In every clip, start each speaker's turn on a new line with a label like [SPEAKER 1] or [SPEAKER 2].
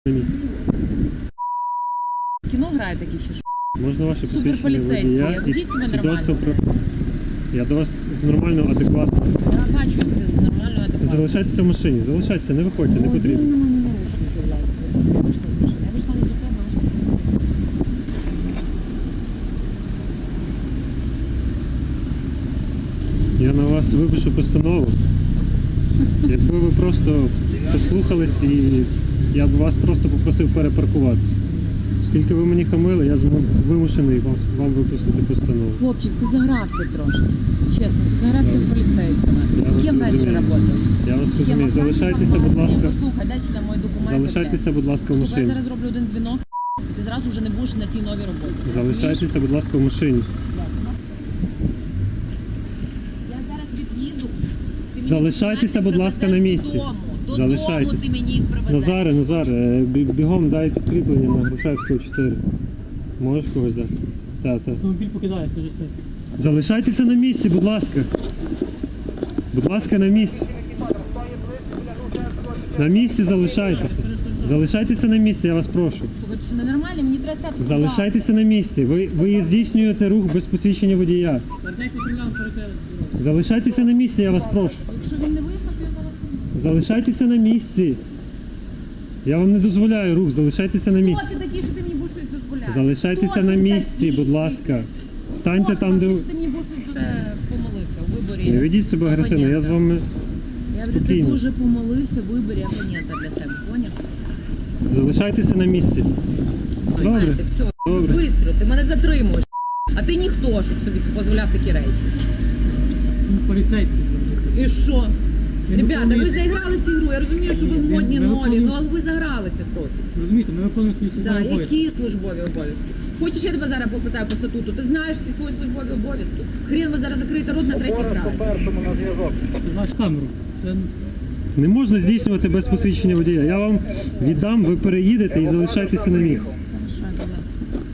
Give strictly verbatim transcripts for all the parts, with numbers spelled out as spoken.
[SPEAKER 1] на місці.
[SPEAKER 2] Кіно грає такі ще ж.
[SPEAKER 1] Можна ваше посвідчення
[SPEAKER 2] Суперполіцейський.
[SPEAKER 1] водія і
[SPEAKER 2] Ведіть себе нормально.
[SPEAKER 1] свідоцтво про... Я до вас з нормально, адекватно.
[SPEAKER 2] Я бачу, як ти з нормально адекватно.
[SPEAKER 1] Залишайтеся в машині, залишайтеся, не виходьте, не потрібно.
[SPEAKER 2] Я вийшла з машини. Я вийшла не до тебе, а вийшла до тебе.
[SPEAKER 1] Я на вас випишу постанову. Якби ви просто послухались і я б вас просто попросив перепаркуватися. Оскільки ви мені хамили, я зму- вимушений вам, вам виписати постанову.
[SPEAKER 2] Хлопчик, ти загрався трошки. Чесно, ти загрався в поліцейському.
[SPEAKER 1] Я вас
[SPEAKER 2] Ким раніше
[SPEAKER 1] розумію.
[SPEAKER 2] працював?
[SPEAKER 1] Я вас
[SPEAKER 2] Ким
[SPEAKER 1] розумію.
[SPEAKER 2] охранником?
[SPEAKER 1] Залишайтеся, будь ласка.
[SPEAKER 2] Послухай, дай сюди мої документи.
[SPEAKER 1] Залишайтеся, будь ласка, в
[SPEAKER 2] Слухай, я
[SPEAKER 1] машині.
[SPEAKER 2] зараз роблю один дзвінок, і ти зразу вже не будеш на цій новій роботі.
[SPEAKER 1] Залишайтеся, будь ласка, в машині.
[SPEAKER 2] Я зараз від'їду. Ти мені
[SPEAKER 1] Залишайтеся,
[SPEAKER 2] документи
[SPEAKER 1] будь ласка, на
[SPEAKER 2] привезеш
[SPEAKER 1] місці.
[SPEAKER 2] Додому. Додому
[SPEAKER 1] Залишайтеся.
[SPEAKER 2] ти мені їх привезеш.
[SPEAKER 1] Назаре, Назаре, е, бі- бігом дай підкріплення на Грушевського чотири. Можеш когось дати? Так, так.
[SPEAKER 3] Автомобіль покидає, скажи це.
[SPEAKER 1] Залишайтеся на місці, будь ласка. Будь ласка, на місці. На місці залишайтеся. Залишайтеся на місці, я вас прошу.
[SPEAKER 2] Слухай, ти що ненормально? Мені треба стати сюди.
[SPEAKER 1] Залишайтеся на місці. Ви, ви здійснюєте рух без посвідчення водія.
[SPEAKER 3] Вертайте патрулям перед.
[SPEAKER 1] Залишайтеся на місці, я вас прошу.
[SPEAKER 2] Якщо він не виїхав, то я зараз не
[SPEAKER 1] Залишайтеся на місці. Я вам не дозволяю рух, залишайтеся на місці.
[SPEAKER 2] Хто ти такий, що ти мені будеш щось дозволяти?
[SPEAKER 1] Залишайтеся
[SPEAKER 2] Хто
[SPEAKER 1] на
[SPEAKER 2] ти
[SPEAKER 1] місці,
[SPEAKER 2] такий?
[SPEAKER 1] будь ласка. Станьте
[SPEAKER 2] Хто
[SPEAKER 1] там, де
[SPEAKER 2] ти,
[SPEAKER 1] ви...
[SPEAKER 2] що ти мені будеш щось дозволяти? Помолився у виборі.
[SPEAKER 1] Не ведіть себе агресивно, я з вами
[SPEAKER 2] Я говорю, ти
[SPEAKER 1] спокійно.
[SPEAKER 2] дуже помолився в виборі опонента для себе, поняв?
[SPEAKER 1] Залишайтеся на місці. Добре.
[SPEAKER 2] Знаєте, все,
[SPEAKER 1] Добре.
[SPEAKER 2] бистро, ти мене затримуєш. А ти ніхто, щоб собі дозволяв такі речі.
[SPEAKER 3] Поліцейський.
[SPEAKER 2] І що?
[SPEAKER 3] Я не
[SPEAKER 2] Ребята, ви
[SPEAKER 3] виконую-
[SPEAKER 2] заігралися ігру, я розумію, що ви
[SPEAKER 3] Ні,
[SPEAKER 2] модні,
[SPEAKER 3] ми
[SPEAKER 2] нові,
[SPEAKER 3] виконуємо-
[SPEAKER 2] ну але ви загралися трохи.
[SPEAKER 3] Розумієте, ми виконуємо свої
[SPEAKER 2] Да,
[SPEAKER 3] службові обов'язки.
[SPEAKER 2] які службові обов'язки? Хочеш, я тебе зараз попитаю по статуту? Ти знаєш всі свої службові обов'язки? Хрен ви зараз закриєте рот на третій фразі.
[SPEAKER 3] Це наш камеру. Це
[SPEAKER 1] Не можна здійснювати без посвідчення водія. Я вам віддам, ви переїдете і залишайтеся на місці.
[SPEAKER 2] Хорошо, обязательно.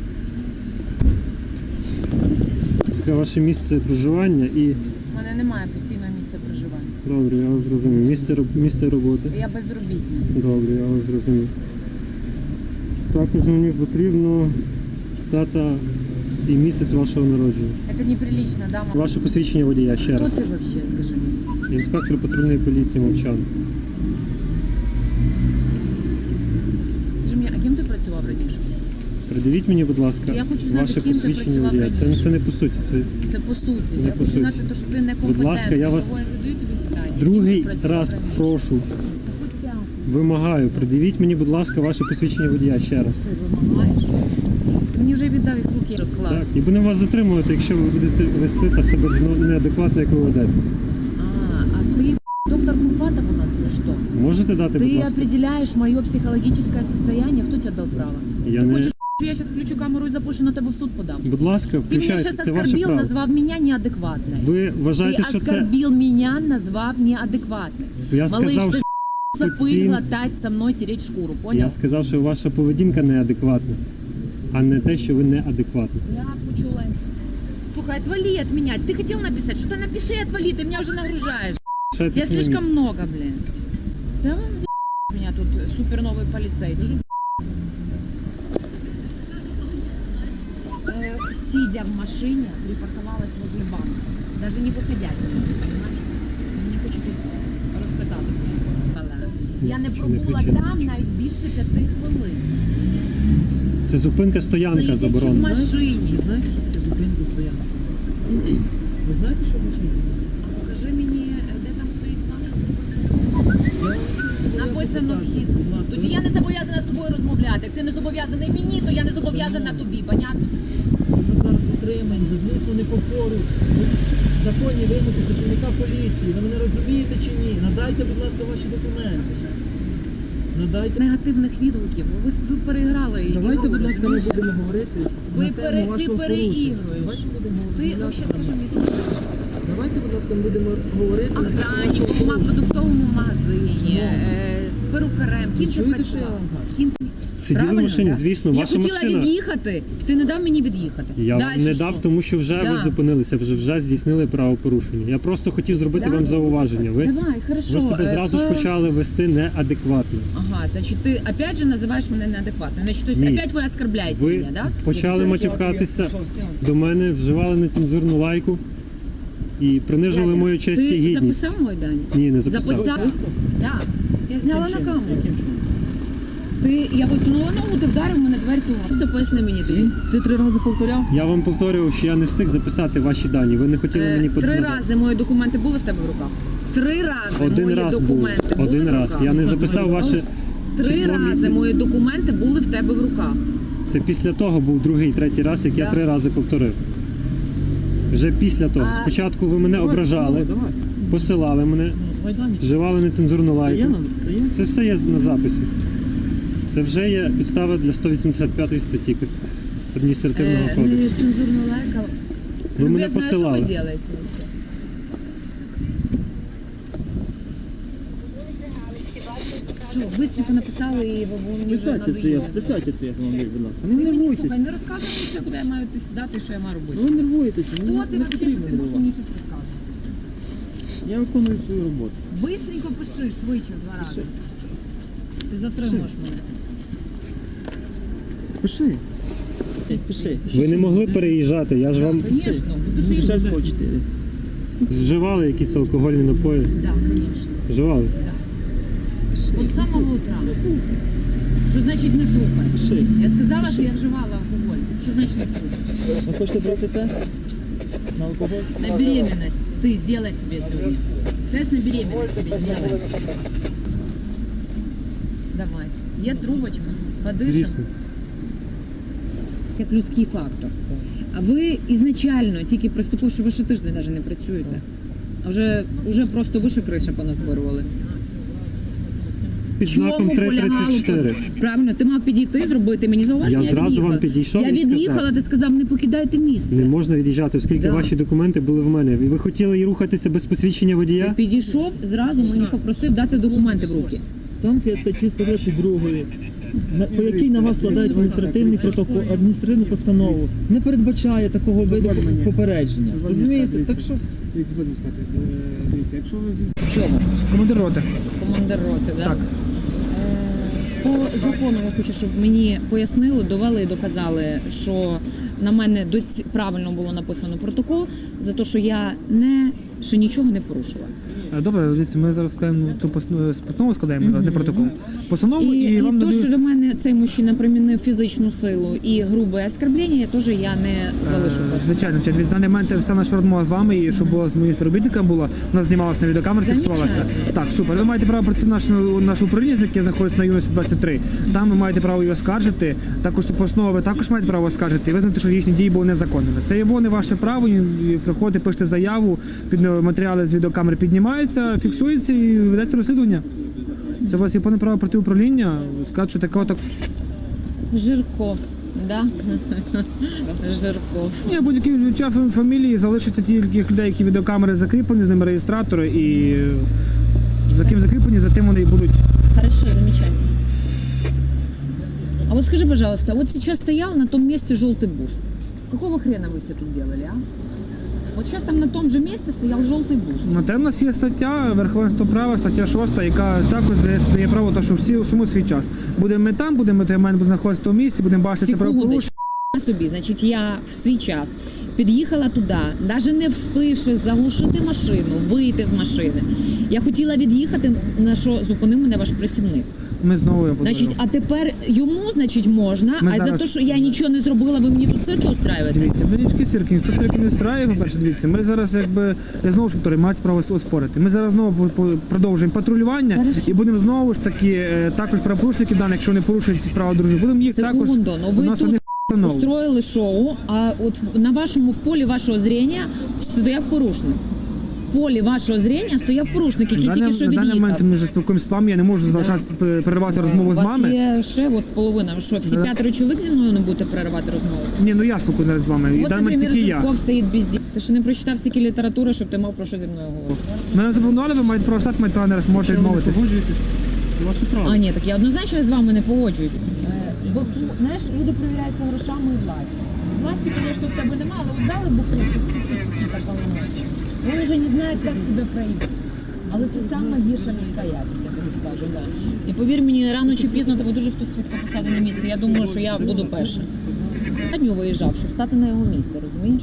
[SPEAKER 1] Це ваше місце проживання і...
[SPEAKER 2] У мене немає постійного місця проживання.
[SPEAKER 1] Добре, я вас зрозумів. Місце, роб- місце роботи.
[SPEAKER 2] Я безробітна.
[SPEAKER 1] Добре, я вас зрозумів. Також мені потрібно дата і місяць вашого народження.
[SPEAKER 2] Это неприлично, да, мама?
[SPEAKER 1] Ваше посвідчення водія, ще
[SPEAKER 2] Хто
[SPEAKER 1] раз.
[SPEAKER 2] ти вообще, скажи мені?
[SPEAKER 1] Інспектор патрульної поліції Мовчан.
[SPEAKER 2] Скажи мені, а ким ти працював раніше?
[SPEAKER 1] Придивіть мені, будь ласка,
[SPEAKER 2] Я хочу знати,
[SPEAKER 1] ваше
[SPEAKER 2] ким ти
[SPEAKER 1] посвідчення
[SPEAKER 2] працював
[SPEAKER 1] водія. Це,
[SPEAKER 2] раніше.
[SPEAKER 1] це не по суті. Це
[SPEAKER 2] Це по суті.
[SPEAKER 1] Не
[SPEAKER 2] я
[SPEAKER 1] по
[SPEAKER 2] хочу
[SPEAKER 1] суті.
[SPEAKER 2] знати, то, що ти некомпетентний.
[SPEAKER 1] Будь ласка, я вас
[SPEAKER 2] Того я задаю тобі питання.
[SPEAKER 1] другий
[SPEAKER 2] Ким ти працював
[SPEAKER 1] раз
[SPEAKER 2] раніше?
[SPEAKER 1] прошу,
[SPEAKER 2] Хоч п'ятий.
[SPEAKER 1] вимагаю, придивіть мені, будь ласка, ваше посвідчення водія ще раз.
[SPEAKER 2] Ти вимагаєш? Ти мені вже віддав їх в руки. Клас.
[SPEAKER 1] Так, і будемо вас затримувати, якщо ви будете вести так себе зно- неадекватно, як ви ведете.
[SPEAKER 2] А, а ты доктор Курпатов у нас или что?
[SPEAKER 1] Можете дати, будь
[SPEAKER 2] Ты
[SPEAKER 1] ласка?
[SPEAKER 2] определяешь мое психологическое состояние. Кто тебе дал право?
[SPEAKER 1] Я
[SPEAKER 2] Ты
[SPEAKER 1] не-
[SPEAKER 2] хочешь, что я сейчас включу камеру и запущу на тебе в суд подам?
[SPEAKER 1] Будь ласка,
[SPEAKER 2] Ты меня
[SPEAKER 1] включайте,
[SPEAKER 2] сейчас
[SPEAKER 1] це ваше
[SPEAKER 2] оскорбил,
[SPEAKER 1] право.
[SPEAKER 2] назвав меня неадекватной.
[SPEAKER 1] Ви вважаєте,
[SPEAKER 2] Ты
[SPEAKER 1] що це...
[SPEAKER 2] оскорбил меня, назвав неадекватной.
[SPEAKER 1] Я
[SPEAKER 2] Малыш,
[SPEAKER 1] сказав,
[SPEAKER 2] ты
[SPEAKER 1] що
[SPEAKER 2] пыль
[SPEAKER 1] ці-
[SPEAKER 2] глотать со мной, тереть шкуру, понял?
[SPEAKER 1] Я сказав, що ваша поведінка неадекватна, а не те, що ви неадекватна.
[SPEAKER 2] Я почула. Слухай, отвали от меня. Ты хотел написать? Что-то напиши и отвали, ты меня уже нагружаешь.
[SPEAKER 1] Лишайтесь
[SPEAKER 2] Тебя
[SPEAKER 1] на
[SPEAKER 2] слишком
[SPEAKER 1] місці.
[SPEAKER 2] много, блин. Да вон за*** меня тут супер новый полицейский. Э, Сидя в машине, припарковалась возле банка. Даже не выходя с нее, понимаешь? Не хочу тут розпитати. Я не
[SPEAKER 1] Чи не
[SPEAKER 2] пробула
[SPEAKER 1] кричи, не
[SPEAKER 2] там
[SPEAKER 1] кричи.
[SPEAKER 2] навіть більше п'яти хвилин.
[SPEAKER 1] Це зупинка стоянка
[SPEAKER 2] Сидячи в
[SPEAKER 1] заборонена.
[SPEAKER 2] машині.
[SPEAKER 3] ви знаєте, що таке зупинка стоянка? Ви знаєте, що в машині?
[SPEAKER 2] А покажи мені, де там стоїть наш. Написано вхід. Тоді я не зобов'язана з тобою розмовляти. Як ти не зобов'язаний мені, то я не зобов'язана тобі, понятно?
[SPEAKER 4] Ми зараз затримані за злісну непокору. Законні вимоги працівника поліції. Ви мене розумієте чи ні? Надайте, будь ласка, ваші документи. Надайте.
[SPEAKER 2] Негативних відгуків. Ви, ви переіграли і
[SPEAKER 4] Давайте, будь ласка, ми
[SPEAKER 2] розумієте?
[SPEAKER 4] будемо говорити
[SPEAKER 2] Ви
[SPEAKER 4] на
[SPEAKER 2] пере-
[SPEAKER 4] тему
[SPEAKER 2] ти
[SPEAKER 4] вашого
[SPEAKER 2] переігруєш.
[SPEAKER 4] порушення. Давайте будемо
[SPEAKER 2] Ти
[SPEAKER 4] розмовляти
[SPEAKER 2] взагалі
[SPEAKER 4] на
[SPEAKER 2] скажи
[SPEAKER 4] мене.
[SPEAKER 2] мені,
[SPEAKER 4] Давайте, будь ласка, ми будемо говорити на тему вашого
[SPEAKER 2] охранником, в
[SPEAKER 4] порушення.
[SPEAKER 2] продуктовому магазині, е, перукарем, ким ти
[SPEAKER 4] Чуєте, що я
[SPEAKER 2] працював?
[SPEAKER 4] вам кажу?
[SPEAKER 2] Ким...
[SPEAKER 1] Сиділи в
[SPEAKER 2] Правильно,
[SPEAKER 1] машині,
[SPEAKER 2] да?
[SPEAKER 1] звісно,
[SPEAKER 2] Я
[SPEAKER 1] ваша
[SPEAKER 2] хотіла
[SPEAKER 1] машина.
[SPEAKER 2] від'їхати, ти не дав мені від'їхати.
[SPEAKER 1] Я вам
[SPEAKER 2] Дальше
[SPEAKER 1] не
[SPEAKER 2] що?
[SPEAKER 1] дав, тому що вже
[SPEAKER 2] Да.
[SPEAKER 1] ви зупинилися, вже вже здійснили правопорушення. Я просто хотів зробити
[SPEAKER 2] Да.
[SPEAKER 1] вам зауваження. Ви,
[SPEAKER 2] Давай, хорошо.
[SPEAKER 1] ви себе
[SPEAKER 2] е,
[SPEAKER 1] зразу ж
[SPEAKER 2] по-
[SPEAKER 1] почали вести неадекватно.
[SPEAKER 2] Ага, значит, ты опять же называешь меня неадекватной. Значит, то есть
[SPEAKER 1] Ні.
[SPEAKER 2] опять вы оскорбляете
[SPEAKER 1] Ви
[SPEAKER 2] меня, да?
[SPEAKER 1] почали матюкатися до мене, вживали нецензурну лайку і принижували мою честь і
[SPEAKER 2] Ти
[SPEAKER 1] гідність.
[SPEAKER 2] записав мой дань?
[SPEAKER 1] Ні, не записав.
[SPEAKER 2] Записав? Да. Я зняла на
[SPEAKER 4] Яким
[SPEAKER 2] камеру.
[SPEAKER 4] чином? Яким чином?
[SPEAKER 2] Ти, я висунула ногу, ти вдарив мене дверку. Просто поясни мені ти.
[SPEAKER 4] Ти три рази повторяв?
[SPEAKER 1] Я вам повторював, що я не встиг записати ваші дані. Ви не хотіли мені
[SPEAKER 2] Е, Три
[SPEAKER 1] подати.
[SPEAKER 2] рази мої документи були в тебе в руках. Три рази
[SPEAKER 1] Один
[SPEAKER 2] мої
[SPEAKER 1] раз був.
[SPEAKER 2] документи були
[SPEAKER 1] Один
[SPEAKER 2] в
[SPEAKER 1] раз.
[SPEAKER 2] руках.
[SPEAKER 1] Я не записав ваше
[SPEAKER 2] Три
[SPEAKER 1] число
[SPEAKER 2] рази
[SPEAKER 1] місяць.
[SPEAKER 2] мої документи були в тебе в руках.
[SPEAKER 1] Це після того був другий, третій раз, як я
[SPEAKER 2] Да.
[SPEAKER 1] три рази повторив. Вже після того.
[SPEAKER 2] А-
[SPEAKER 1] Спочатку ви мене
[SPEAKER 4] Давай,
[SPEAKER 1] ображали,
[SPEAKER 4] Давай.
[SPEAKER 1] посилали мене,
[SPEAKER 3] Давай дані.
[SPEAKER 1] вживали нецензурну
[SPEAKER 4] Це є?
[SPEAKER 1] лайку.
[SPEAKER 4] на- Це є?
[SPEAKER 1] Це все є на записі. Це вже є підстава для сто вісімдесят п'ятої статті адміністративного
[SPEAKER 2] Е,
[SPEAKER 1] кодексу.
[SPEAKER 2] Нецензурну лайка.
[SPEAKER 1] Ви мене
[SPEAKER 2] Любезно, а
[SPEAKER 1] посилали.
[SPEAKER 2] Що ви робите? вообще? Все, быстренько написали і ви ви мені вже
[SPEAKER 4] Присядьте своє,
[SPEAKER 2] надоїли.
[SPEAKER 4] присядьте своє автомобіль, будь ласка. Не
[SPEAKER 2] Ти мені,
[SPEAKER 4] нервуйтесь.
[SPEAKER 2] слухай, не розказуй мені ще, куди я маю йти сідати і що я маю робити.
[SPEAKER 4] Ну ви нервуєтеся,
[SPEAKER 2] Хто
[SPEAKER 4] не,
[SPEAKER 2] ти
[SPEAKER 4] не
[SPEAKER 2] вообще, що
[SPEAKER 4] потрібно
[SPEAKER 2] ти можеш мені
[SPEAKER 4] нервувати.
[SPEAKER 2] щось розказувати?
[SPEAKER 4] Я виконую свою роботу.
[SPEAKER 2] Бистренько пиши, швидше в два рази. Ти затримуєш мене.
[SPEAKER 4] Пиши. Пиши.
[SPEAKER 1] Ви не могли переїжджати, я ж вам
[SPEAKER 2] Звісно, будеш їздити.
[SPEAKER 4] Шевського чотири.
[SPEAKER 1] вживали якісь алкогольні напої.
[SPEAKER 2] Так, звісно.
[SPEAKER 1] Вживали.
[SPEAKER 2] От з самого утра. Що значить не слухай?
[SPEAKER 4] Пиши.
[SPEAKER 2] Я сказала, що я вживала алкоголь. Що значить не слухай?
[SPEAKER 4] Ви хочете брати тест на алкоголь?
[SPEAKER 2] На беременность ты сделай себе сегодня. Тест на беременность себе сделай. Давай. Є трубочка, подишем.
[SPEAKER 1] Звісно.
[SPEAKER 2] Як людський фактор. А ви ізначально, тільки приступивши, ви ще тиждень навіть не працюєте. А вже, вже просто вище криша поназбирували.
[SPEAKER 1] Під знаком три тридцять чотири.
[SPEAKER 2] Правильно, ти мав підійти, зробити мені зауваження.
[SPEAKER 1] Я зразу
[SPEAKER 2] від'їхала.
[SPEAKER 1] вам підійшов
[SPEAKER 2] Я
[SPEAKER 1] і сказав.
[SPEAKER 2] від'їхала, ти сказав, не покидайте місце.
[SPEAKER 1] Не можна від'їжджати, оскільки
[SPEAKER 2] Да.
[SPEAKER 1] ваші документи були в мене. І ви хотіли і рухатися без посвідчення
[SPEAKER 2] Ти
[SPEAKER 1] водія?
[SPEAKER 2] підійшов, зразу мені попросив дати документи в руки.
[SPEAKER 4] Санкція статті сто двадцять два, на- по якій на вас складають адміністративний протокол, адміністративну постанову, не передбачає такого виду попередження. Розумієте? Так що
[SPEAKER 3] Дивіться, згодом сказати. Е, Дивіться, якщо ви
[SPEAKER 2] Чого?
[SPEAKER 3] командир роти.
[SPEAKER 2] Командир роти, да?
[SPEAKER 3] Так.
[SPEAKER 2] Е, По закону я хочу, щоб мені пояснили, довели і доказали, що на мене доці- правильно було написано протокол за те, що я не ще нічого не порушила.
[SPEAKER 3] Е, Добре, дивіться, ми зараз складаємо цю посну- постанову, складаємо, зараз не протокол. Постанову
[SPEAKER 2] І,
[SPEAKER 3] і,
[SPEAKER 2] і,
[SPEAKER 3] вам
[SPEAKER 2] то,
[SPEAKER 3] надають-
[SPEAKER 2] що до мене цей мужчина примінив фізичну силу і грубе оскорблення, я теж я не залишу.
[SPEAKER 3] Е,
[SPEAKER 2] просто.
[SPEAKER 3] Звичайно, звичайно. Від даний момент вся наша розмова з вами, і щоб була з моїм співробітником була, вона знімалася на відеокамеру, фіксувалася.
[SPEAKER 2] Замечательно.
[SPEAKER 3] Так, супер. Ви маєте право пройти наше, наше управління, яке знаходиться на юності двадцять три. Там ви маєте право її оскаржити. Також цю постанову ви також маєте право оскаржити і визнати, що їхні дії були незаконними. Це є не ваше право. і Приходите, пишете заяву, під матеріали з відеокамери піднімаються, фіксуються і ведете розслідування. Це у вас є повне право проти управління, сказати, що такого так.
[SPEAKER 2] Жирко, да? Жирко.
[SPEAKER 3] Ні, будь-які відчуття фам- фамілії залишаться тільки людей, які відеокамери закріплені, з ними реєстратори, і е, за ким закріплені, за тим вони і будуть.
[SPEAKER 2] Хорошо, замечательно. А вот скажи, пожалуйста, вот сейчас стоял на том месте желтый бус. Какого хрена вы все тут делали, а? Вот сейчас там на том же месте стоял желтый бус.
[SPEAKER 3] На те в нас є стаття верховенство права, стаття шоста, яка також дає, дає право, то, що всі усьому свій час. Будемо ми там, будемо ми маємо знаходитися в тому місці, будемо бачити це правопорушення.
[SPEAKER 2] Секундочку. Собі, значить, я в свій час під'їхала туди, навіть не вспивши заглушити машину, вийти з машини. Я хотіла від'їхати, на що зупинив мене ваш працівник.
[SPEAKER 3] Ми знову я буду.
[SPEAKER 2] Значить, а тепер йому, значить, можна,
[SPEAKER 3] Ми
[SPEAKER 2] а
[SPEAKER 3] зараз-
[SPEAKER 2] за те, що я нічого не зробила, ви мені тут цирки устраюєте?
[SPEAKER 3] Дивіться, величкі цирки, ніхто цирки не встрає, по-перше, дивіться, ми зараз якби, я знову ж повторюю, мають право оспорити. Ми зараз знову по- по- продовжуємо патрулювання
[SPEAKER 2] Хорошо.
[SPEAKER 3] і будемо знову ж таки, е, також правопорушники даних, якщо вони порушують якісь права дружини, будемо їх також,
[SPEAKER 2] Секунду, ну
[SPEAKER 3] у
[SPEAKER 2] ви
[SPEAKER 3] нас
[SPEAKER 2] тут
[SPEAKER 3] одних встановлено.
[SPEAKER 2] устроїли шоу, а от в- на вашому в полі вашого зрення стояв порушник. В полі вашого зрення стояв порушник, який
[SPEAKER 3] На
[SPEAKER 2] тільки
[SPEAKER 3] даний-
[SPEAKER 2] що
[SPEAKER 3] на даний момент
[SPEAKER 2] від'їхав.
[SPEAKER 3] ми вже спілкуємося з вами, я не можу залишати переривати розмову
[SPEAKER 2] У
[SPEAKER 3] з
[SPEAKER 2] вас
[SPEAKER 3] вами.
[SPEAKER 2] є ще от половина. Ви що, всі
[SPEAKER 3] Да.
[SPEAKER 2] п'ятеро чоловік зі мною не будете переривати розмову?
[SPEAKER 3] Ні, ну я спілкуюся з вами, і в
[SPEAKER 2] От,
[SPEAKER 3] даний момент
[SPEAKER 2] наприклад,
[SPEAKER 3] тільки я.
[SPEAKER 2] Жирков стоїть без дітей. Ти ще не прочитав стільки літератури, щоб ти мав про що зі мною говорити.
[SPEAKER 3] Мене запропонували, ви маєте право стати, маєте право не можете відмовитись.
[SPEAKER 1] Погоджуєтесь? Це ваше право.
[SPEAKER 2] А ні, так я однозначно з вами не погоджуюсь. Е, бо знаєш, люди перевіряються грошами і властю. Власті, звісно, в тебе немає, але от дали буху, чуть-чуть какие-то полномочия. Вони вже не знають, як себе проявити. Але це саме гірша людська якість, я тобі скажу, да. І повір мені, рано чи пізно тебе дуже хтось швидко посади на місце. Я думаю, що я буду перша. Я нього виїжджав, щоб стати на його місце, розумієш?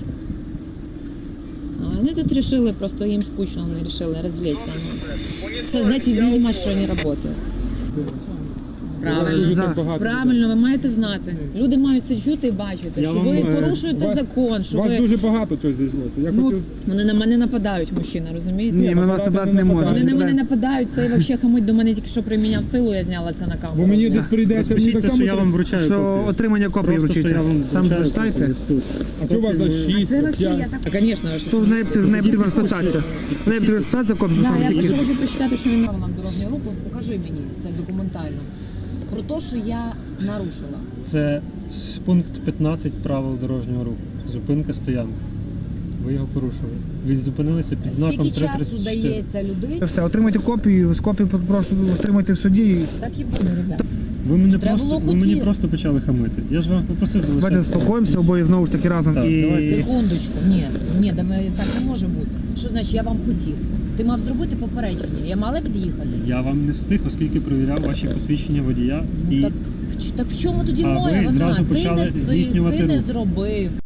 [SPEAKER 2] А вони тут вирішили, просто їм скучно, вони вирішили розвлечься. Создать видимость, що вони працюють. Правильно.
[SPEAKER 3] За.
[SPEAKER 2] Правильно, ви маєте знати. Люди мають це чути і бачити,
[SPEAKER 1] Я
[SPEAKER 2] що
[SPEAKER 1] вам,
[SPEAKER 2] ви
[SPEAKER 1] е,
[SPEAKER 2] порушуєте
[SPEAKER 5] вас-
[SPEAKER 2] закон, що
[SPEAKER 5] У вас
[SPEAKER 2] ви...
[SPEAKER 5] дуже багато чого зійшлося. Я
[SPEAKER 3] Ну,
[SPEAKER 5] хотів...
[SPEAKER 2] Вони на мене нападають, мужчина, розумієте?
[SPEAKER 3] Ні, ми вас набрати не можемо.
[SPEAKER 2] Вони на мене нападають, цей взагалі хамить до мене тільки що приміняв силу, я зняла це на камеру.
[SPEAKER 5] Бо мені десь прийдеться, мені так
[SPEAKER 1] Розпишіться,
[SPEAKER 5] само...
[SPEAKER 1] що я вам вручаю
[SPEAKER 3] Що
[SPEAKER 1] копію.
[SPEAKER 3] отримання копії
[SPEAKER 1] Просто, що
[SPEAKER 3] вручиться.
[SPEAKER 1] я вам
[SPEAKER 3] Там
[SPEAKER 1] вручаю
[SPEAKER 3] зачитайте.
[SPEAKER 1] копію тут.
[SPEAKER 5] А що у вас за шість, п'ять?
[SPEAKER 2] А, звісно, я щось...
[SPEAKER 3] Тут з нею з нею потрібно розписатися. З нею потрібно розписатися, копію
[SPEAKER 2] Да,
[SPEAKER 3] поставити
[SPEAKER 2] я
[SPEAKER 3] тільки.
[SPEAKER 2] прошу вже почитати, що він нам дорожнього руху. Покажи мені це документально. Про те, що я нарушила.
[SPEAKER 1] Це пункт п'ятнадцять правил дорожнього руху. Зупинка, стоянка. Ви його порушили. Ви зупинилися під знаком
[SPEAKER 2] Скільки
[SPEAKER 1] три
[SPEAKER 2] часу
[SPEAKER 1] тридцять чотири.
[SPEAKER 2] дається людині?
[SPEAKER 3] Все, отримайте копію, з копію просто отримайте в суді. і
[SPEAKER 2] Так і буде, ребята.
[SPEAKER 1] Ви мене
[SPEAKER 2] Треба
[SPEAKER 1] просто,
[SPEAKER 2] було
[SPEAKER 1] ви мені
[SPEAKER 2] хотіти.
[SPEAKER 1] просто почали хамити. Я ж вам попросив
[SPEAKER 3] Давайте
[SPEAKER 1] залишатися.
[SPEAKER 3] заспокоїмося обоє знову ж таки разом.
[SPEAKER 1] Так,
[SPEAKER 3] І
[SPEAKER 1] давайте.
[SPEAKER 2] Секундочку, ні, ні, давай, так не може бути. Що значить, я вам хотів? Ти мав зробити попередження, я мала від'їхати.
[SPEAKER 1] Я вам не встиг, оскільки перевіряв ваші посвідчення водія.
[SPEAKER 2] Ну,
[SPEAKER 1] І
[SPEAKER 2] так, в- так в чому тоді
[SPEAKER 1] А
[SPEAKER 2] моя
[SPEAKER 1] ви
[SPEAKER 2] вина?
[SPEAKER 1] зразу
[SPEAKER 2] Ти
[SPEAKER 1] почали
[SPEAKER 2] не,
[SPEAKER 1] здійснювати
[SPEAKER 2] ти не
[SPEAKER 1] рух.
[SPEAKER 2] зробив.